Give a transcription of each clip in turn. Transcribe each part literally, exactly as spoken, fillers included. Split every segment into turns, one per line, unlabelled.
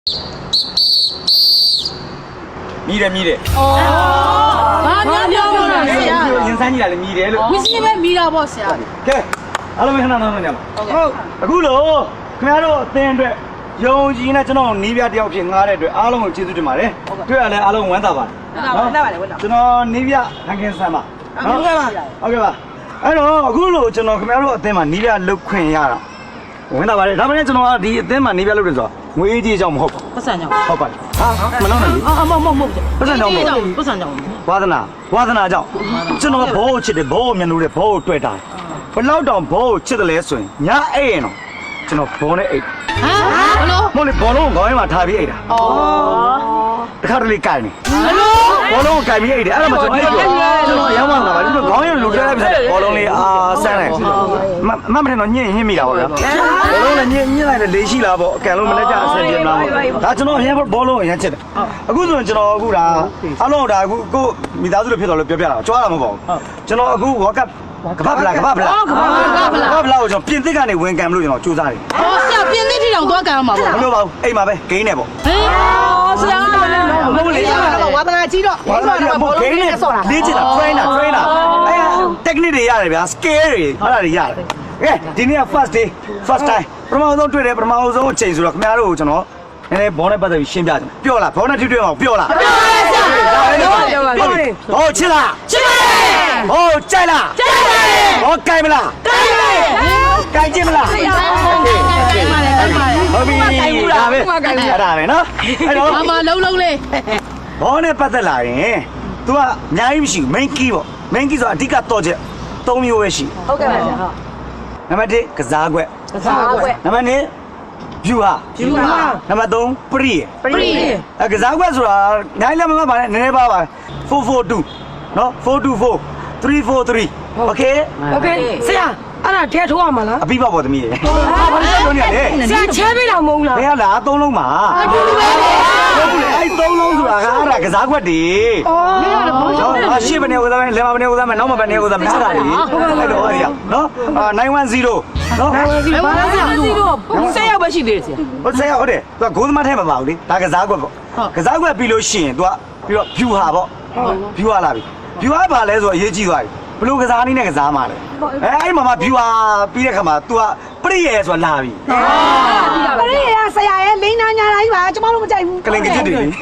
မြည်တယ်မြည်တယ်
။အော်။ဘာများပြောလို့လဲဆရာ
ရင်စမ်းကြီးလာလေမြည်တယ်လို့
။ဝစီပဲမိတာပေါ့ဆရာ
ကဲအားလုံးခဏနောက်နောက်ညပါဟုတ်အခုလို့ခင်ဗျားတို့အသင်းအတွက်ယုံကြည်နဲ့ကျွန်တော်နီးပြတယောက်ဖြစ်ငားတဲ့အတွက်အားလုံးကိုကျေးဇူးတင်ပါတယ်တွေ့ရလဲအားလုံးဝမ်းသာပါတယ်နော်ကျွန်တော်နီးပြဟန်ကင်ဆန်ပါဟုတ်ကဲ့ပါဟုတ်ကဲ့ပါအဲ့တော့အခုလို့ကျွန်တော်ခင်ဗျားတို့အသင်းမှာနီးပြလုတ်ခွင့်ရတာဝင်တာပါတယ်ဒါပေမဲ့ကျွန်တော်ကဒီအသင်းမှာနီးပြလုတ်တယ်ဆိုတော့ငွေကြီးအကြောင်းမဟုတ်ပါ
။ပတ်စံကြောင့်
ဟုတ်ပါတယ်ဟာမလုံးနဲ့လေ
။အော်မဟုတ်မဟုတ်
ပတ်စံကြောင့်မဟုတ်
။ပတ်စံကြောင့်
ဝါသနာဝါသနာကြောင့်ကျွန်တော်ဘောကိုချစ်တယ်ဘောကိုမျက်နှာတွေဘောကိုတွေ့တာဘလောက်တောင်ဘောကိုချစ်တယ်လဲဆိုရင်ညအိတ်ရင်တော့ကျွန်တော်ဘောနဲ့အိတ်
။ဟမ်ဘလို့
မဟုတ်လေဘောလုံးကိုခေါင်းထဲမှာထားပြီးအိတ်တာ
အော်
တခါတလေကြိုင်နေ
ဘလို့
ဘောလုံးကိုကြိုင်ပြီးအိတ်တယ်အဲ့ဒါမှကျွန်တော်ကျွန်တော်အယောင်းမှလာပါကျွန်တော်ခေါင်းထဲလူထဲလိုက်ပြီးဘောလုံးလေးအာဆန်းတယ်မမမထင်တော့ညင်ညင်မိတာပေါ့ဗျာဘောလုံးလည်းညင်ညင်လိုက်တယ်လေးရှိလားပေါ့အကန်လုံးမလက်ကြအဆင်ပြေမလားပေါ့ဒါကျွန်တော်အရင်ဘောလုံးကိုအရင်ချစ်တယ်အခုဆိုရင်ကျွန်တော်အခုဒါအလုံးဒါအခုကိုမိသားစုတွေဖြစ်တော်လို့ပြောပြတာကြွားတာမဟုတ်ပါဘူးကျွန်တော်အခုဝါကပ်ကဘာဗလာကဘာဗလာ
။အော်ကဘာကဘာ
က
လား
ဘာဗလာကိုကျွန်တော်ပြင်သစ်ကနေဝင်ကံမလို့ကျွန်တော်စူးစမ်းတယ်
။အော်ဆရာပြင်းသိထီတောင်သွားကြရမှာပေါ့
မလို့ပါဘူးအိမ်မှာပဲဂိမ်းနေပေါ့
။ဟေးအော်ဆရာကလည်း
မဟုတ်လေဝါသနာကြီးတော့ဝါသနာကြီးကဂိမ်းနေလေ့ကျင့်တာ trainer trainer အဲ technique တွေရတယ်ဗျာ skill တွေအဲ့ဒါတွေရတယ်ကဲဒီနေ့က first day first time ပထမဆုံးတွေ့တယ်ပထမဆုံးအချိန်ဆိုတော့ခင်ဗျားတို့ကိုကျွန်တော်နည်းနည်းဘောနဲ့ပတ်သက်ပြီးရှင်းပြတယ်ပြောလားဘောနဲ့ထိတွေ့အောင်ပြောလားပြောပါဆရာပြောပါဟောချစ်လားချစ်ပါတယ်ဟောကြိုက်လားကြိုက်ပါတယ်ဟောကြိုက်မလားကြိုက်ပါတယ်ကြိုက်ကြည့်မလားကြိုက်ပါတယ်ဟုတ်ပြီဒါပဲအဲ့ဒါပဲနော်အဲ့တော့
။အမလုံးလုံးလေး
ဘောနဲ့ပတ်သက်လာရင် तू ကအများကြီးမရှိဘူး main key ပေါ့ main key ဆိုတာအဓိကတော့ချက်၃မျိုးပဲရှိ
ဟုတ်ကဲ့ပါဆရာဟုတ်
နံပါတ်၁ကစားကွက်
ကစားကွက်
နံပါတ်၂ view ဟာ
ဖြူပါ
နံပါတ်၃ pre
ပရိ
အဲကစားကွက်ဆိုတာနိုင်လည်းမမှတ်ပါနဲ့နည်းနည်းပါပါfour four twoနော်four two four three four three okay
โอเคဆရာအဲ့ဒါထဲထိုးရမှာလား
အပိပပေါ့သမီးရေဟာဘာလို့ပြောနေရလဲ
ဆရာချဲပေးတာမဟုတ်လား
ဘယ်ကလားသုံးလုံးပါဟုတ်ဘူးလေအဲ့သုံးလုံးဆိုတာကအဲ့ဒါကစားကွက်တွေ
အော်
နော်အရှိဘယ်နေဦးသားလဲလဲမဘယ်နေဦးသားမနောက်မဘယ်နေဦးသားမနာတာလေအဲ့တော့အဲ့ဒီနော်အာnine one zeroနော်
စီပါလားဆရာဆရာပဲရှိသေးတယ်ဆရာ
ဟုတ်ဆရာဟုတ်တယ်သူကဂိုးသမားထဲမှာပါဘူးလေဒါကစားကွက်ပေါ့ကစားကွက်ပြီးလို့ရှိရင်သူကပြီးတော့ view ဟာပေါ့ view ဟာလာပြီ view ဟာဘာလဲဆိုတော့အရေးကြီးသွားပြီဘလို့ကစားနည်းနဲ့ကစားမှာလေအဲအဲ့မှာမှ view ဟာပြီးတဲ့ခါမှာ तू ကပရိယေဆိုတာလာပြီ
ပရိယာဆရာရဲ့လိန်နာညာတိုင်းပါကျမတို့မကြိုက်ဘူး
ကလင်ကချစ်တွေလေ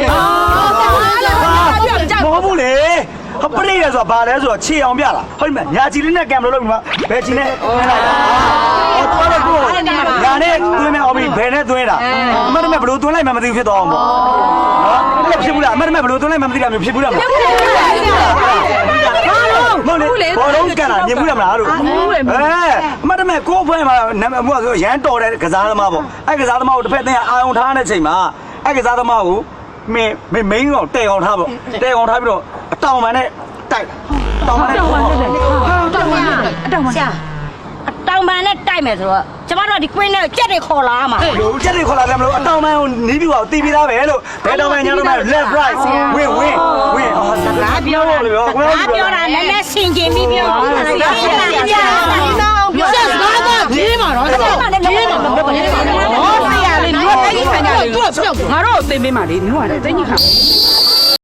အော်ဆရာကလည်းမကြိုက်
မဟုတ်ဘူးလေဟောပရိယေဆိုတာဘာလဲဆိုတော့ခြေအောင်ပြတာဟုတ်ပြီမညာချီလေးနဲ့ကင်မလို့လုပ်ပြီးမှဘယ်ချီနဲ့ဟောတော်တယ်ကိုညာနဲ့သွင်းမဲ့အောင်ပြီးဘယ်နဲ့သွင်းတာအမတ်တမဲ့ဘလို့သွင်းလိုက်မှမသိဘူးဖြစ်သွားအောင်ပေါ့နော်အဲ့ဖြစ်ဘူးလားအမတ်တမဲ့ဘလို့သွင်းလိုက်မှမသိတာမျိုးဖြစ်ဘူးလားမဟုတ်ဘူးလေဘောလုံးကန်တာမြင်ဘူးလားမလားတို့အဲအမတ်တမဲ့ကိုယ်ဖွဲမှာနာမည်ကဆိုရန်တော်တဲ့ကစားသမားပေါ့အဲ့ကစားသမားကိုတစ်ဖက်တည်းအာရုံထားတဲ့ချိန်မှာအဲ့ကစားသမားကိုမင်းမင်းမင်းတော့တဲအောင်ထားပေါ့တဲအောင်ထားပြီးတော့အတောင်ပံနဲ့တိုက်တောင်ပံနဲ့
တောင်းပါတောင်းပါ
ဆရာအတောင်ပန်နဲ့တိုက်မယ်ဆိုတော့ကျမတို့ကဒီကွင်းနဲ့ကြက်တွေခေါ်လာမှာ
လို့ချက်တွေခေါ်လာတယ်မလို့အတောင်ပံကိုနီးပြီးတော့တီးပြီးသားပဲလို့ဘယ်တောင်ပံညာလို့မလဲ left right win win win
ငါပြောတာ
လို့ပြော
ငါပြောတာနည်းနည်းဆင်ကျင်ပြီးပြောတာဆရာ
။ဆရာကပြေးမှာတော့ဆရာပြေးမှာတော့ပြေးမှာတော့
ဆရာလေးတို့တိတ်ခံကြလေ
သူကပြောက်
ငါတို့သိမ့်ပေးပါလေမျိုးကတိတ်ကြီးခါ